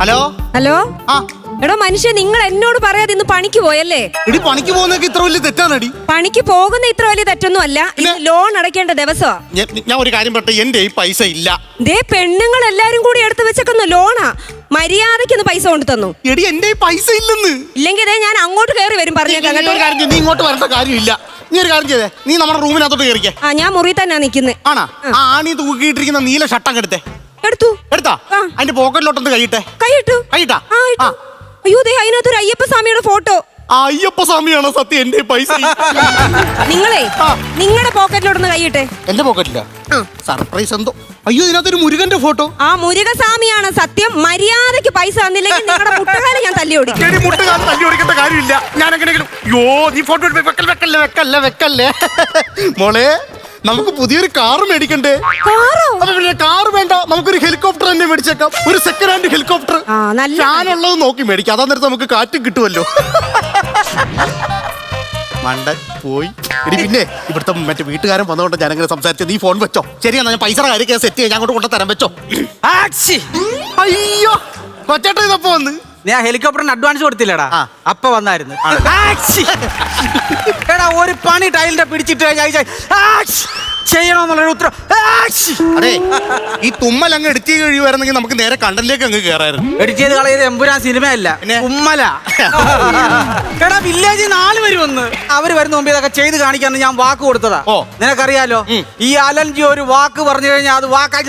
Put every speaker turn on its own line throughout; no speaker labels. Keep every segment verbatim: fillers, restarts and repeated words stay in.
Hello
hello
ആ
എടോ മനുഷ്യ, നിങ്ങൾ എന്നോട് പറയാതെ ഇന്ന് പണിക്ക് പോയല്ലേ?
എടി പണിക്ക് പോകുന്നതൊക്കെ ഇത്ര വലിയ തെറ്റാണടി.
പണിക്ക് പോകുന്ന ഇത്ര വലിയ തെറ്റൊന്നും അല്ല. ഇന്ന് ലോൺ അടയ്ക്കേണ്ട ദിവസമാ.
ഞാൻ ഒരു കാര്യം പറട്ടെ, എന്റെ ഈ പൈസ ഇല്ല.
ദേ പെണ്ണുങ്ങൾ എല്ലാരും കൂടി എടുത്തു വെച്ചേക്കുന്ന ലോണാ. മര്യാദയ്ക്കൊന്ന് പൈസ കൊണ്ട് തന്നു.
എടി എന്റെ ഈ പൈസ ഇല്ലെന്ന്.
ഇല്ലെങ്കിൽ ദേ ഞാൻ അങ്ങോട്ട് കയറി വരും പറഞ്ഞേക്കാം കേട്ടോ.
നീ ഇങ്ങോട്ട് വരേണ്ട കാര്യമില്ല. നീ ഒരു കാര്യം ചെയ്തേ, നീ നമ്മുടെ റൂമിനകത്തോട്ട് കയറിക്കേ.
ആ ഞാൻ മുറി തന്നെ നിക്കുന്നത്.
ആണാ? ആ ആണി തൂക്കിയിട്ടിരിക്കുന്ന നീല ഷട്ടം എടുത്തേ.
എടുത്തു.
എടുത്താ? അതിന്റെ പോക്കറ്റിലോട്ടൊന്ന് കഴിയിട്ടെ.
കൈയിട്ടു.
കഴിട്ടാ?
അയ്യോ ദേ അതിനകത്തൊരു അയ്യപ്പ സ്വാമിയുടെ ഫോട്ടോ.
അയ്യപ്പ സ്വാമിയാണോ സത്യം എന്റെ പൈസ?
നിങ്ങളെ നിങ്ങളുടെ പോക്കറ്റിലോട്ടൊന്ന് കൈയിട്ടെ.
എന്റെ പോക്കറ്റില്ല. സർപ്രൈസ് എന്തോ. അയ്യോ ഇതിനകത്തൊരു മുരുകന്റെ ഫോട്ടോ.
ആ മുരുകസ്വാമിയാണ് സത്യം. മര്യാദയ്ക്ക് പൈസ തന്നില്ലെങ്കിൽ നിങ്ങളുടെ മുട്ടുകാലം ഞാൻ തല്ലി ഓടിക്കും.
എടി മുട്ടുകാലം തല്ലി ഓടിക്കേണ്ട കാര്യമില്ല. ഞാൻ എങ്ങനെയെങ്കിലും യോ നീ ഫോട്ടോ വെക്കല്ലേ വെക്കല്ലേ വെക്കല്ലേ വെക്കല്ലേ മോളെ, നമുക്ക് പുതിയൊരു കാറ് മേടിക്കണ്ടേ?
കാറോ?
കാറ് വേണ്ട, നമുക്കൊരു ഹെലികോപ്റ്റർ തന്നെ മേടിച്ചേക്കാം. ഒരു സെക്കൻഡ് ഹാൻഡ് ഹെലികോപ്റ്റർ. ഞാനുള്ളത് നോക്കി മേടിക്കാം. അതാ നേരത്തെ നമുക്ക് കാറ്റും കിട്ടുമല്ലോ. മണ്ടൻ പോയി. എടി പിന്നെ ഇവിടുത്തെ മറ്റേ വീട്ടുകാരൻ വന്നതുകൊണ്ട് ഞാൻ അങ്ങനെ സംസാരിച്ചത്. നീ ഫോൺ വെച്ചോ. ശരിയാ, ഞാൻ പൈസ കാര്യമൊക്കെ സെറ്റ് ചെയ്യാൻ ഞാൻ അങ്ങോട്ട് കൊണ്ടുതരാൻ വെച്ചോ. അയ്യോ കൊച്ചേട്ടൻ ഇതപ്പോ വന്ന്.
ഞാൻ ഹെലികോപ്റ്ററിന് അഡ്വാൻസ് കൊടുത്തില്ലടാ, അപ്പൊ വന്നായിരുന്നു. എടാ ഒരു പണി ടൈലിന്റെ പിടിച്ചിട്ട് ചെയ്യണമെന്നുള്ളൊരു ഉത്തരം.
അതെ, ഈ തുമ്മൽ അങ്ങ് എഡിറ്റ് ചെയ്ത് കഴിയുമായിരുന്നെങ്കിൽ നമുക്ക് നേരെ കണ്ടന്റിലേക്ക് അങ്ങ് കയറായിരുന്നു.
എഡിറ്റ് ചെയ്ത് കളയത് എമ്പുരാൻ സിനിമയല്ല, ഉമ്മല. എടാ വില്ലേജ് നാല് പേര് വന്ന് അവര് വരുന്ന മുമ്പ് ഇതൊക്കെ ചെയ്ത് കാണിക്കാന്ന് ഞാൻ വാക്ക് കൊടുത്തതാ. ഓ നിനക്കറിയാലോ, ഈ അലൻജി ഒരു വാക്ക് പറഞ്ഞു കഴിഞ്ഞാൽ അത് വാക്കായി.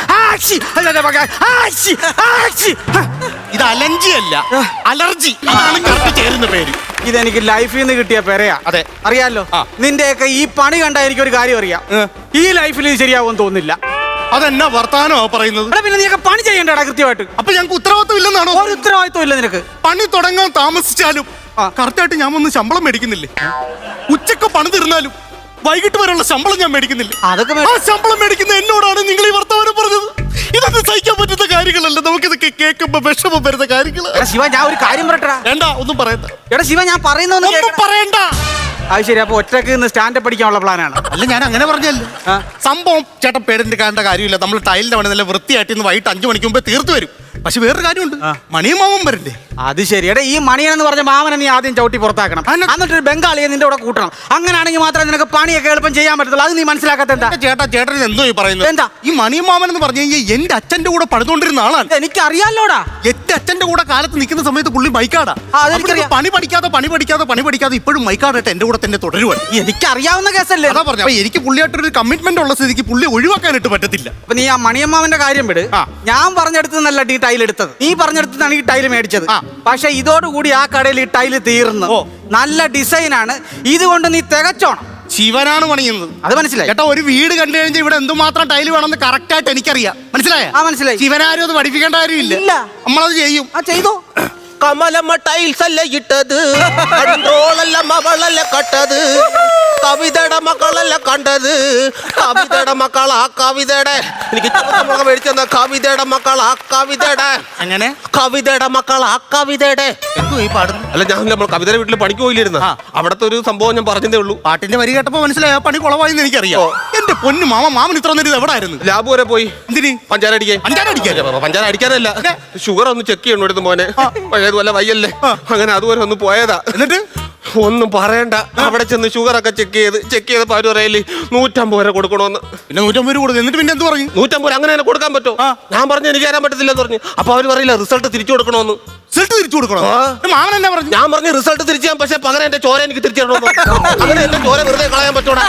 ഇത് അലർജി അല്ല, അലർജി. അതാണ് കറക്റ്റ് ചേരുന്ന പേര്.
ഇതെനിക്ക് ലൈഫിൽ നിന്ന് കിട്ടിയ പെരയാ.
അതെ
അറിയാലോ. നിന്റെയൊക്കെ ഈ പണി കണ്ട എനിക്കൊരു കാര്യം അറിയാം, ഈ ലൈഫിൽ ഇത് ശരിയാവുമെന്ന് തോന്നുന്നില്ല.
അതെന്നാ വർത്താനോ പറയുന്നത്?
പിന്നെ നീയൊക്കെ പണി ചെയ്യണ്ടടാ കൃത്യമായിട്ട്.
അപ്പൊ ഞങ്ങൾക്ക് ഉത്തരവാദിത്വം ഇല്ലെന്നാണോ?
ഒരു ഉത്തരവാദിത്വം ഇല്ല നിനക്ക്.
പണി തുടങ്ങാൻ താമസിച്ചാലും കറക്റ്റായിട്ട് ഞാൻ ഒന്ന് ശമ്പളം മേടിക്കുന്നില്ലേ? ഉച്ചക്ക് പണി തീർന്നാലും വൈകിട്ട് വരെയുള്ള ശമ്പളം ഞാൻ മേടിക്കുന്നില്ല.
അതൊക്കെ
ആ ശമ്പളം മേടിക്കുന്ന എന്നോടാണ് നിങ്ങൾ ഈ വർത്തമാനം പറഞ്ഞത്. ഇതൊന്നും സഹിക്കാൻ പറ്റുന്ന കാര്യങ്ങളല്ല. നമുക്കിതൊക്കെ കേൾക്കുമ്പോ വിഷമം വരുന്ന കാര്യങ്ങൾ.
ശിവ ഞാൻ ഒരു കാര്യം പറയട്ടാ.
വേണ്ട, ഒന്നും പറയണ്ട.
എടാ ശിവ ഞാൻ പറയുന്നൊന്നും
പറയണ്ട.
അത് ശരി. അപ്പൊ ഒറ്റക്ക് നിന്ന് സ്റ്റാൻഡപ്പ് പഠിക്കാനുള്ള പ്ലാനാണ്?
അല്ല, ഞാൻ അങ്ങനെ പറഞ്ഞല്ലോ. സംഭവം ചേട്ടൻ പേടിന്റെ കാണേണ്ട കാര്യമില്ല. നമ്മൾ ടൈലിന്റെ പണി നല്ല വൃത്തിയായിട്ട് ഇന്ന് വൈകിട്ട് അഞ്ചു മണിക്ക് മുമ്പേ തീർത്തു വരും. പക്ഷെ വേറൊരു കാര്യമുണ്ട്, മണിയും മാമൻ വരണ്ടേ?
അത് ശരി. എടാ ഈ മണിയെന്ന് പറഞ്ഞ മാമനെ നീ ആദ്യം ചവിട്ടി പുറത്താക്കണം, എന്നിട്ട് ബംഗാളിയെ നിന്റെ കൂടെ കൂട്ടണം. അങ്ങനെയാണെങ്കിൽ മാത്രമേ നിനക്ക് പണിയൊക്കെ എളുപ്പം ചെയ്യാൻ പറ്റത്തുള്ളൂ. അത് നീ മനസ്സിലാക്കാത്ത എന്താ?
ചേട്ടാ ചേട്ടൻ എന്തോ ഈ പറയുന്നത്? എന്താ ഈ മണിയും മാമൻ എന്ന് പറഞ്ഞു കഴിഞ്ഞാൽ എന്റെ അച്ഛന്റെ കൂടെ പണിതുകൊണ്ടിരുന്ന ആളാണ്.
എനിക്ക് അറിയാലോടാ.
എന്റെ അച്ഛന്റെ കൂടെ കാലത്ത് നിൽക്കുന്ന സമയത്ത് പുള്ളി മൈക്കാടാ. പണി പഠിക്കാതെ പണി പഠിക്കാതെ പണി പഠിക്കാതെ ഇപ്പോഴും മൈക്കാടായിട്ട് എന്റെ കൂടെ തന്നെ തുടരുവാണ്.
എനിക്ക് അറിയാവുന്ന കേസല്ലേ
അതാ പറഞ്ഞു. അപ്പൊ എനിക്ക് പുള്ളിയായിട്ടൊരു കമ്മിറ്റ്മെന്റ് ഉള്ള സ്ഥിതിക്ക് പുള്ളി ഒഴിവാക്കാനായിട്ട് പറ്റത്തില്ല.
അപ്പൊ നീ ആ മണിയമ്മാവന്റെ കാര്യം വിട്. ഞാൻ പറഞ്ഞെടുത്തല്ല ഈ ടൈൽ എടുത്തത്, നീ പറഞ്ഞെടുത്താണ് ഈ ടൈല് മേടിച്ചത്. പക്ഷെ ഇതോടുകൂടി ആ കടയിൽ ഈ ടൈല് തീർന്നു. നല്ല ഡിസൈനാണ്, ഇതുകൊണ്ട് നീ തികച്ചോണം.
ശിവനാണ് പണിയുന്നത്, അത് മനസ്സിലായി കേട്ടോ. ഒരു വീട് കണ്ടു കഴിഞ്ഞാൽ ഇവിടെ എന്തുമാത്രം ടൈല് വേണമെന്ന് കറക്റ്റ് ആയിട്ട് എനിക്കറിയാം. മനസ്സിലായ?
ആ മനസ്സിലായി.
ശിവനാരും അത് പഠിപ്പിക്കേണ്ട കാര്യമില്ല, നമ്മളത് ചെയ്യും.
ആ ചെയ്തോ.
കമലമ്മ ടൈൽസ് അല്ല ഇട്ടത്, കൺട്രോളല്ല മകളല്ല കട്ടത്, കവിതയുടെ മക്കളല്ല കണ്ടത്. കവിതയുടെ മക്കളാ കവിതയുടെ, എനിക്ക് ചോദ്യം മേടിച്ചെന്ന കവിതയുടെ മക്കളാ കവിതയുടെ.
അങ്ങനെ
കവിതയുടെ മക്കളാ കവിതയുടെ.
എന്തോ ഈ പാടുന്നു?
അല്ല, ഞാൻ നമ്മൾ കവിതയുടെ വീട്ടിൽ പണിക്ക് പോയില്ലായിരുന്ന, അവിടത്തെ ഒരു സംഭവം ഞാൻ പറഞ്ഞതേ ഉള്ളൂ.
പാട്ടിന്റെ വരി കേട്ടപ്പോ മനസ്സിലായ പണി കുളവായെന്ന് എനിക്കറിയാം. എന്റെ പൊന്നു മാമ, മാമൻ ഇത്ര നേരം എവിടെ ആയിരുന്നു?
ലാബ് വരെ പോയി.
എന്തിന്?
പഞ്ചാര അടിക്കാൻ.
പഞ്ചാര അടിക്കാൻ?
പഞ്ചാര അടിക്കാനല്ല, ഷുഗർ ഒന്ന് ചെക്ക് ചെയ്യണം എടുത്ത് മോനെ. പഴയതുപോലെ വയ്യല്ലേ, അങ്ങനെ അതുപോലെ ഒന്ന് പോയതാ. എന്നിട്ട് ഒന്നും പറയണ്ട, അവിടെ ചെന്ന് ഷുഗർ ഒക്കെ ചെക്ക് ചെയ്ത് ചെക്ക് ചെയ്തപ്പോ അവര് പറയല് നൂറ്റമ്പത് രൂപ കൊടുക്കണമെന്ന്.
പിന്നെ നൂറ്റമ്പത് രൂപ കൊടുക്കും. എന്നിട്ട് പിന്നെ എന്ത് പറഞ്ഞു?
നൂറ്റമ്പത് അങ്ങനെ തന്നെ കൊടുക്കാൻ പറ്റുമോ? ഞാൻ പറഞ്ഞു എനിക്ക് തരാൻ പറ്റത്തില്ലെന്ന് പറഞ്ഞു. അപ്പൊ അവര് പറയില്ല റിസൾട്ട് തിരിച്ചു കൊടുക്കണമെന്ന്.
റിസൾട്ട് തിരിച്ചു കൊടുക്കണം? മാമൻ എന്നാ പറഞ്ഞു?
ഞാൻ പറഞ്ഞു റിസൾട്ട് തിരിച്ചു ചെയ്യാൻ, പക്ഷെ പകരം എന്റെ ചോര എനിക്ക് തിരിച്ചു തരണമെന്ന്. അങ്ങനെ എന്റെ ചോര വെറുതെ കളയാൻ പറ്റൂടാ.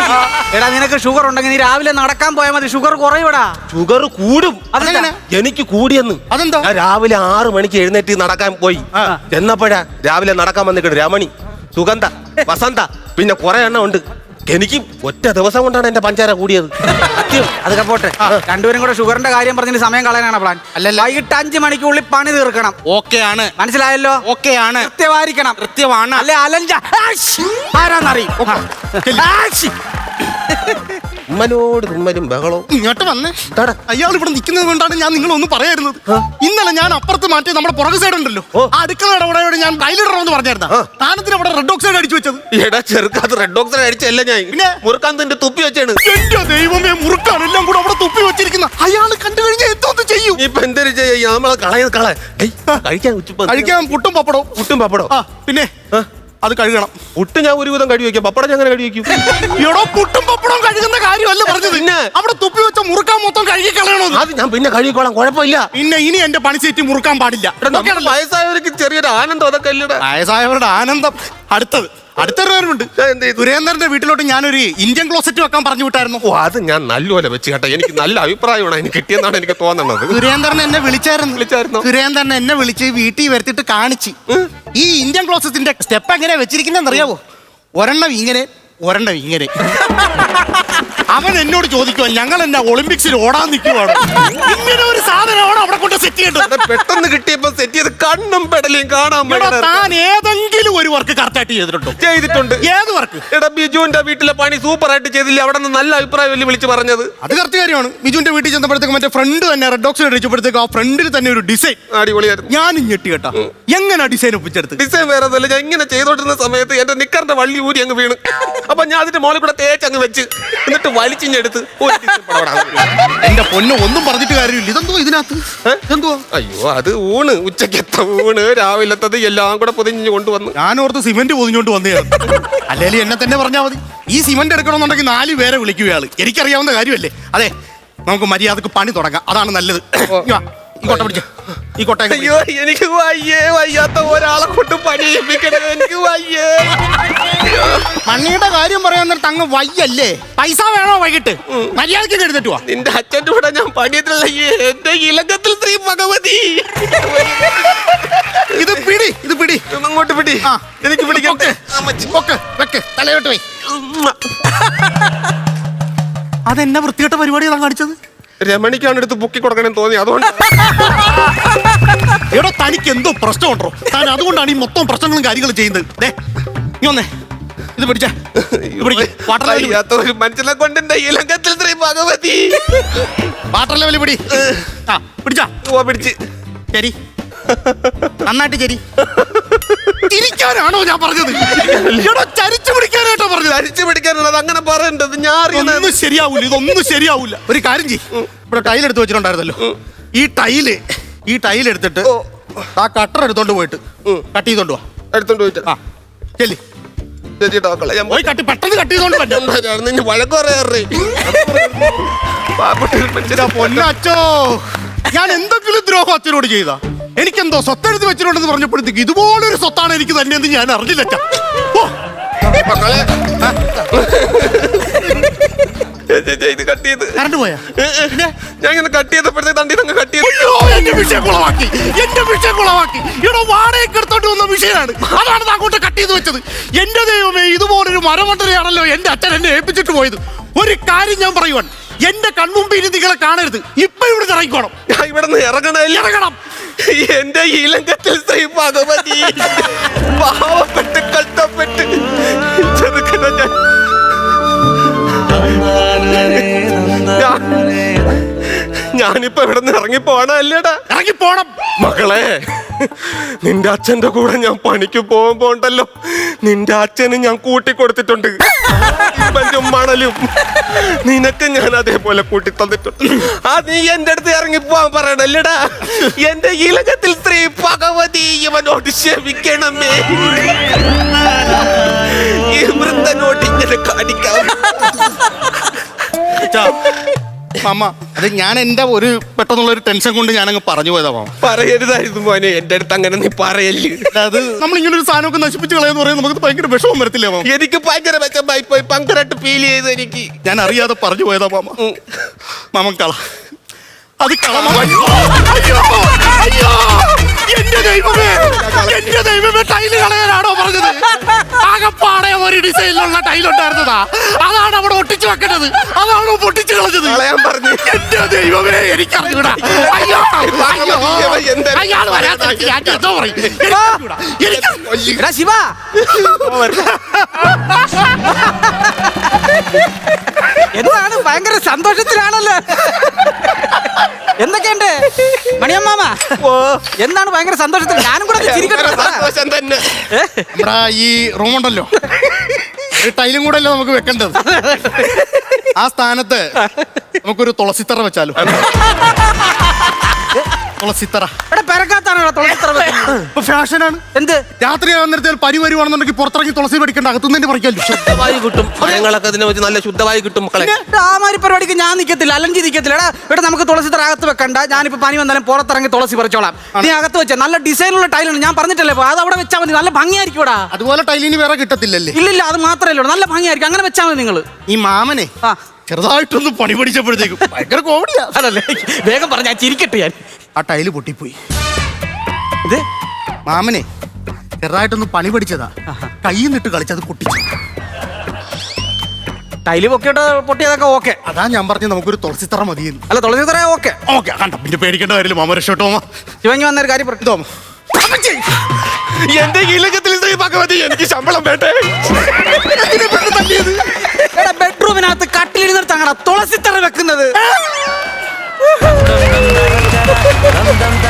എടാ നിനക്ക് ഷുഗർ ഉണ്ടെങ്കിൽ നീ രാവിലെ നടക്കാൻ പോയാൽ മതി, ഷുഗർ കുറയൂടാ.
ഷുഗർ കൂടും.
അതെങ്ങനെ?
എനിക്ക് കൂടിയെന്ന്.
അതെന്താ?
ഞാൻ രാവിലെ ആറ് മണിക്ക് എഴുന്നേറ്റ് നടക്കാൻ പോയി. എന്നപ്പോഴാ രാവിലെ നടക്കാൻ വന്നിട്ട് രമണി, സുഗന്ധ, വസന്ത, പിന്നെ കുറെ എണ്ണം ഉണ്ട്. എനിക്ക് ഒറ്റ ദിവസം കൊണ്ടാണ് എന്റെ പഞ്ചാര കൂടിയത്.
അതൊക്കെ പോട്ടെ, രണ്ടുപേരും കൂടെ ഷുഗറിന്റെ കാര്യം പറഞ്ഞിട്ട് സമയം കളയാനാണ് പ്ലാൻ. അല്ല, വൈകിട്ട് അഞ്ചു മണിക്കുള്ളിൽ പണി തീർക്കണം.
ഓക്കെ ആണ്,
മനസ്സിലായല്ലോ?
ഓക്കെ ആണ്,
കൃത്യമായിരിക്കണം.
കൃത്യമാണ്.
അല്ലെ അലഞ്ച ആരാന്നറിയും.
ഉമ്മനോട് തുമ്മലും ബഹളവും.
ഇങ്ങോട്ട് വന്നേ. അയാൾ ഇവിടെ നിൽക്കുന്നത് കൊണ്ടാണ് ഞാൻ നിങ്ങളൊന്നും പറയായിരുന്നത്. ഇന്നലെ ഞാൻ അപ്പുറത്ത് മാറ്റി നമ്മുടെ പുറകു സൈഡ് ഉണ്ടല്ലോ, ആ അടുക്കളയുടെ അവിടെ ഞാൻ ടൈലിടണമെന്ന് പറഞ്ഞായിരുന്ന താനത്തിന് അവിടെ റെഡ് ഓക്സൈഡ് അടിച്ചു വെച്ചത്.
എടാ ചെറുക്കാത്ത റെഡ് ഓക്സൈഡ് അടിച്ചല്ല ഞാൻ, പിന്നെ മുറുക്കാൻ തുപ്പി വെച്ചാണ്.
എന്റെ ദൈവമേ, മുറുക്കാൻ എല്ലാം കൂടെ അവിടെ തുപ്പി വെച്ചിരിക്കുന്ന അയാൾ കണ്ടു കഴിഞ്ഞാൽ എന്തോന്ന് ചെയ്യും? ചെയ്യൂ.
ഇപ്പൊ എന്തൊരു ചെയ്യാ നമ്മളെ കളയത് കള കഴിക്കാൻ ഉച്ചപ്പോ
കഴിക്കാൻ പുട്ടും പപ്പടവും.
പുട്ടും പപ്പടോ
ആ പിന്നെ അത് കഴുകണം.
പുട്ട് ഞാൻ ഒരുവിധം കഴി വെക്കാം, പപ്പടം ഞാൻ അങ്ങനെ കഴി വെക്കും.
എടോ പുട്ടും പപ്പടവും കഴുകുന്ന കാര്യമല്ല പറഞ്ഞത്.
പിന്നെ
അവിടെ തുപ്പി വെച്ച മുറുക്കാൻ മൊത്തം കഴുകി കളയണോ?
അത് ഞാൻ പിന്നെ കഴുകിക്കോളാം, കുഴപ്പമില്ല.
പിന്നെ ഇനി എന്റെ പണി സീറ്റ് മുറുക്കാൻ പാടില്ല.
വയസ്സായവർക്ക് ചെറിയൊരു ആനന്ദം അതൊക്കെ അല്ലടാ.
വയസ്സായവരുടെ ആനന്ദം. അടുത്തത് അടുത്തൊരു കാര്യമുണ്ട്. സുരേന്ദ്രന്റെ വീട്ടിലോട്ട് ഞാനൊരു ഇന്ത്യൻ ക്ലോസറ്റ് വെക്കാൻ പറഞ്ഞു വിട്ടായിരുന്നു.
ഓ അത് ഞാൻ നല്ലപോലെ വെച്ച് കേട്ടോ, എനിക്ക് നല്ല അഭിപ്രായമാണ് അതിന് കിട്ടിയെന്നാണ് എനിക്ക് തോന്നുന്നത്.
സുരേന്ദ്രൻ എന്നെ വിളിച്ചായിരുന്നു
വിളിച്ചായിരുന്നു
സുരേന്ദ്രൻ എന്നെ വിളിച്ച് വീട്ടിൽ വരുത്തിട്ട് കാണിച്ച് ഈ ഇന്ത്യൻ ക്ലോസറ്റിന്റെ സ്റ്റെപ്പ് എങ്ങനെയാ വെച്ചിരിക്കുന്നതെന്ന് അറിയാവോ? ഒരെണ്ണം ഇങ്ങനെ ഒരെണ്ണം ഇങ്ങനെ. അവൻ എന്നോട് ചോദിക്കുവാ ഞങ്ങൾ എന്നാ ഒളിമ്പിക്സിൽ ഓടാൻ നിൽക്കുവാണ്, ഇങ്ങനെ ഒരു സാധനമാണ് അവിടെ കൊണ്ട് സെറ്റ് ചെയ്യേണ്ടത്.
പെട്ടെന്ന് കിട്ടിയപ്പോ സെറ്റ് ചെയ്ത് കണ്ണും പെടലും കാണാൻ.
താൻ ഏതെങ്കിലും ഒരു വർക്ക് കറക്റ്റായിട്ട് ചെയ്തിട്ടുണ്ടോ?
ചെയ്തിട്ടുണ്ട്.
ഏത് വർക്ക്?
എടാ ബിജുവിന്റെ വീട്ടിലെ പണി സൂപ്പർ ആയിട്ട് ചെയ്തില്ല, അവിടെ നിന്ന് നല്ല അഭിപ്രായം വലിയ വിളിച്ച് പറഞ്ഞത്.
അത് കറക്റ്റ് കാര്യമാണ്. ബിജുവിന്റെ വീട്ടിൽ ചെന്നപ്പോഴത്തേക്ക് മറ്റേ ഫ്രണ്ട് തന്നെ റെഡ് ഓക്സൈഡ് അടിച്ചപ്പോഴത്തേക്ക് ആ ഫ്രണ്ടിൽ തന്നെ ഒരു ഡിസൈൻ
അടിപൊളിയായിരുന്നു.
ഞാനും ഞെട്ടി കേട്ടാ. എങ്ങനെ ഡിസൈൻ ഒപ്പിച്ചെടുത്ത്?
ഡിസൈൻ വേറെ ഒന്നുമല്ല, ഞാൻ ഇങ്ങനെ ചെയ്തോണ്ടിരുന്ന സമയത്ത് എന്റെ നിക്കറിന്റെ വള്ളി ഊരി അങ്ങ് വീണ്. അപ്പൊ ഞാൻ അതിന്റെ മോളിൽ കൂടെ തേച്ച് അങ്ങ് വെച്ച് എന്നിട്ട് വലിച്ചിഞ്ഞെടുത്ത്
എന്റെ പൊന്നു ഒന്നും പറഞ്ഞിട്ട് കാര്യമില്ല. ഇതെന്തോ ഇതിനകത്ത് എന്തോ?
അയ്യോ അത് ഊണ്, ഉച്ചക്കത്തെ ഊണ്, രാവിലത്തത് എല്ലാം കൂടെ പൊതിഞ്ഞു കൊണ്ടുവന്നു.
ഞാനോർത്ത് സിമെന്റ് പൊതിഞ്ഞോണ്ട് വന്നതാണ്. അല്ലെങ്കിൽ എന്നെ തന്നെ പറഞ്ഞാൽ മതി. ഈ സിമെന്റ് എടുക്കണമെന്നുണ്ടെങ്കിൽ നാല് പേരെ വിളിക്കുകയാള്. എനിക്കറിയാവുന്ന കാര്യമല്ലേ. അതെ നമുക്ക് മര്യാദക്ക് പണി തുടങ്ങാം, അതാണ് നല്ലത്. ഈ കൊട്ട പിടിച്ച ഈ കൊട്ട.
അയ്യോ എനിക്ക് വയ്യേ, വയ്യാത്ത ഒരാളെ കൊണ്ട് പണിയിപ്പിക്കണേ, എനിക്ക് വയ്യേ.
മണ്ണിയുടെ കാര്യം പറയാൻ നേരത്ത് അങ്ങ് വയ്യല്ലേ? പൈസ വേണോ വൈകിട്ട്? മര്യാദക്ക് എഴുതിട്ട് വാ.
നിന്റെ അച്ഛൻ്റെ കൂടെ ഞാൻ പണിയത്തില്ല, എന്റെ ഇലക്കത്തിൽ ശ്രീ ഭഗവതി.
ഇത് പിടി, ഇത് പിടി,
അങ്ങോട്ട് പിടി. എനിക്ക് പിടിക്കാം.
തലയോട്ട് പോയി. അതെന്നാ വൃത്തികെട്ട പരിപാടിയാണ് കാണിച്ചത്?
രമണിക്കാണ് എടുത്ത് പൊക്കി കൊടുക്കണമെന്ന് തോന്നി, അതുകൊണ്ട്.
എടോ തനിക്ക് എന്തോ പ്രശ്നമുണ്ടോ? താൻ അതുകൊണ്ടാണ് ഈ മൊത്തം പ്രശ്നങ്ങളും കാര്യങ്ങളും ചെയ്യുന്നത്. നീ വന്നേ, ഇത് പിടിച്ച
ഒരു മനുഷ്യനെ കൊണ്ട് എന്റെ ഇലക്കത്തിൽ ശ്രീ ഭഗവതി.
വാട്ടർ ലെവൽ പിടി. ആ പിടിച്ചാ
പിടിച്ച്
ശരി, നന്നായിട്ട് ശരി. തിരിക്കാനാണോ ഞാൻ പറഞ്ഞത്? എടോ ചരിച്ചു പിടിക്കാനായിട്ടോ പറഞ്ഞത്?
അരിച്ചു പിടിക്കാനുള്ളത് അങ്ങനെ പറയേണ്ടത് ഞാൻ
ഒന്നും ശരിയാവൂല, ഇതൊന്നും ശരിയാവൂല. ഒരു കാര്യം ചെയ്യ്, ഇവിടെ ടൈൽ എടുത്ത് വെച്ചിട്ടുണ്ടായിരുന്നല്ലോ, ഈ ടൈല് ഈ ടൈൽ എടുത്തിട്ട് ആ കട്ടർ എടുത്തോണ്ട് പോയിട്ട് കട്ട് ചെയ്തോണ്ട് വാ.
എടുത്തോണ്ട് പോയിട്ട്
ആ ചെല്ലി പോയി കട്ടി, പെട്ടെന്ന് കട്ട് ചെയ്തോണ്ട് പറ്റും.
വഴക്ക് പറയാറേ.
പൊന്നച്ചോ, ഞാൻ എന്തെങ്കിലും ദ്രോഹം അച്ഛനോട് ചെയ്താ? എനിക്കെന്തോ സ്വത്തെഴുതി വെച്ചിട്ടുണ്ടെന്ന് പറഞ്ഞപ്പോഴത്തേക്ക് ഇതുപോലൊരു സ്വത്താണ് എനിക്ക് തന്നെ എന്ന് ഞാൻ അറിഞ്ഞില്ല.
ഇത് കട്ട് ചെയ്ത്
കറണ്ട് പോയാ?
ഞാൻ ഇങ്ങനെ കട്ട് ചെയ്തപ്പോഴത്തേക്ക് തണ്ടി അങ്ങ് കട്ട് ചെയ്തു.
എന്റെ വിഷയം കുളവാക്കി, എന്റെ വിഷയം കുളവാക്കി. ഇവിടെ വാടകയ്ക്ക് എടുത്തോണ്ട് വന്ന വിഷയമാണ്, അതാണ് അങ്ങോട്ട് കട്ട് ചെയ്ത് വെച്ചത്. എന്റെ ദൈവമേ, ഇതുപോലൊരു മരമണ്ടരയാണല്ലോ എന്റെ അച്ഛൻ എന്നെ ഏൽപ്പിച്ചിട്ട് പോയത്. ഒരു കാര്യം ഞാൻ പറയുവാൻ, എന്റെ കൺമുമ്പിൽ നിങ്ങളെ കാണരുത്. ഇപ്പൊ ഇവിടെ ഇറങ്ങിക്കോണം.
ഇവിടെ നിന്ന് ഇറങ്ങണ
ഇറങ്ങണം.
എന്റെ ഇലങ്കത്തിൽ ശ്രീ ഭഗവതി പാവപ്പെട്ട് കഷ്ടപ്പെട്ട് ചെറുക്കണ ഞാൻ ഞാനിപ്പോ ഇവിടെ നിന്ന് ഇറങ്ങിപ്പോണ അല്ലേടാ?
ഇറങ്ങിപ്പോണം.
മകളെ, നിന്റെ അച്ഛന്റെ കൂടെ ഞാൻ പണിക്ക് പോകുമ്പോ ഉണ്ടല്ലോ, നിന്റെ അച്ഛന് ഞാൻ കൂട്ടിക്കൊടുത്തിട്ടുണ്ട്. മണലും നിനക്ക് ഞാൻ അതേപോലെ കൂട്ടി തന്നിട്ടുണ്ട്. ആ നീ എന്റെ അടുത്ത് ഇറങ്ങിപ്പോവാൻ പറയണല്ലേടാ? എന്റെ ഇലകത്തിൽ സ്ത്രീ ഭഗവതി ഇവനോട് ക്ഷമിക്കണമേ. ഈ വൃദ്ധനോട് ഇങ്ങനെ കാണിക്കാം.
മാമ, അത് ഞാൻ എന്റെ ഒരു പെട്ടെന്നുള്ള ഒരു ടെൻഷൻ കൊണ്ട് ഞാൻ അങ്ങ് പറഞ്ഞു പോയതാ മാമ.
പറയരുതായിരുന്നു മോനെ, എന്റെ അടുത്ത് അങ്ങനെ നീ പറയല്ലേ.
അത് നമ്മൾ ഇങ്ങനെ ഒരു സാധനമൊക്കെ നശിപ്പിച്ച് കളയെന്ന് പറയുന്നത് നമുക്ക് ഭയങ്കര വിഷമം വരത്തില്ലേ മാമ?
എനിക്ക് ഭയങ്കര വിഷമായി പോയി, ഭയങ്കരമായിട്ട് ഫീൽ ചെയ്ത് എനിക്ക്.
ഞാൻ അറിയാതെ പറഞ്ഞു പോയതാ മാമ. മാമൻ കള, അത് കള. എന്റെ ദൈവമേ, എന്റെ ദൈവമേ, ടൈല് കളയാനാണോ പറഞ്ഞത്? ആകപ്പാടെ ഒരു ഡിസൈനിലുള്ള ടൈൽ ഉണ്ടായിരുന്നതാ, അതാണ് അവിടെ ഒട്ടിച്ചു വെക്കേണ്ടത്, അതാണോ പൊട്ടിച്ചു കളഞ്ഞത്?
കളയാൻ പറഞ്ഞു.
എന്റെ ദൈവമേ, എനിക്കറിഞ്ഞൂടാ. അയ്യോ അയാൾ വരാത്ത ഞാൻ എന്തോ പറയും.
ശിവ എന്താണ് ഭയങ്കര സന്തോഷത്തിലാണല്ലോ. എന്തൊക്കെയുണ്ട് മണിയമ്മാമ? എന്താണ് ഭയങ്കര സന്തോഷത്തിൽ? ഞാനും കൂടെ
സന്തോഷം തന്നെ.
ഇവിടെ ഈ റൂമുണ്ടല്ലോ, ഒരു ടൈലും കൂടെ അല്ലേ നമുക്ക് വെക്കേണ്ടത്. ആ സ്ഥാനത്ത് നമുക്കൊരു തുളസിത്തറ വെച്ചാലോ? തുളസിത്തറ
എടാ പെരക്കാത്താണോ തുളസിത്തറ വെക്കുന്നത്?
ഇപ്പൊ ഫാഷനാണ്.
എന്ത്
രാത്രി ആവുന്നിടത്തിൽ പനി വരുവാണെന്നുണ്ടെങ്കിൽ പുറത്തിറങ്ങി തുളസി പഠിക്കണ്ട, അകത്തുനിന്ന് പറിക്കാല്ലോ.
ശുദ്ധവായു കിട്ടും, മരങ്ങളൊക്കെ അതിനെ വെച്ച് നല്ല ശുദ്ധവായു കിട്ടും മക്കളെ.
എടാ, ആ മാതിരി പരിപാടിക്ക് ഞാൻ നിൽക്കത്തില്ല, അലഞ്ചി നിൽക്കത്തില്ല. എടാ ഇവിടെ നമുക്ക് തുളസിത്തറ അകത്ത് വെക്കണ്ട. ഞാനിപ്പോ പനി വന്നാലും പുറത്തിറങ്ങി തുളസി പറിച്ചോളാം. നീ അകത്ത് വെച്ച നല്ല ഡിസൈനുള്ള ടൈലാണ് ഞാൻ പറഞ്ഞിട്ടല്ലേ, അത് അവിടെ വെച്ചാൽ മതി, നല്ല ഭംഗിയായിരിക്കും. ഇവിടെ
അതുപോലെ ടൈലിന് വേറെ കിട്ടത്തില്ലല്ലേ?
ഇല്ലില്ല, അത് മാത്രമല്ല നല്ല ഭംഗിയായിരിക്കും. അങ്ങനെ വെച്ചാൽ മതി നിങ്ങൾ.
ഈ മാമനെ
ആ
ചെറുതായിട്ടൊന്ന് പണി പഠിച്ചപ്പോഴത്തേക്കും ഭയങ്കര കോമഡിയാ.
അതല്ലേ, വേഗം പറഞ്ഞ ഞാൻ ചിരിക്കട്ടെ. ഞാൻ
ആ ടൈല് പൊട്ടിപ്പോയി.
ഇത്
മാമനെ ചെറുതായിട്ടൊന്ന് പണി പഠിച്ചതാ, കയ്യിൽ നിന്നിട്ട് കളിച്ചത് പൊട്ടിച്ചു.
ടൈല് പൊക്കിയിട്ട് പൊട്ടിയതൊക്കെ ഓക്കെ.
അതാ ഞാൻ പറഞ്ഞു നമുക്കൊരു തുളസിത്തറ മതിയെന്ന്.
അല്ല തുളസിത്തറ ഓക്കെ
ഓക്കെ കണ്ട, പിന്നെ പേടിക്കേണ്ട കാര്യമില്ല. മാമ രക്ഷോട്ടോ.
ശിവങ്ങി വന്നൊരു കാര്യം പറഞ്ഞു.
ഇതോ
എന്റെ ഇലക്കത്തിൽ ശ്രീ ഭഗവതി എനിക്ക് ശമ്പളം വേണ്ടേ?
എടാ ബെഡ്റൂമിനകത്ത് കട്ടിലിരുന്നിട്ട് അങ്ങനെ തുളസിത്തറ വെക്കുന്നത്.